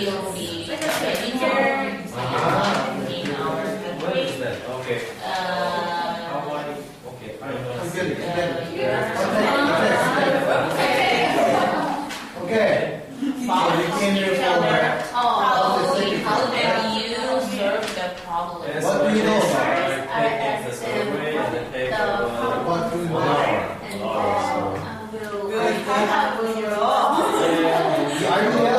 will be a manager in our What is country. that? Okay. How I? Okay, I know. Okay. So you came here for How do you solve the problem? Yes, What do you know so about I take the survey and then take what do you know? And Are you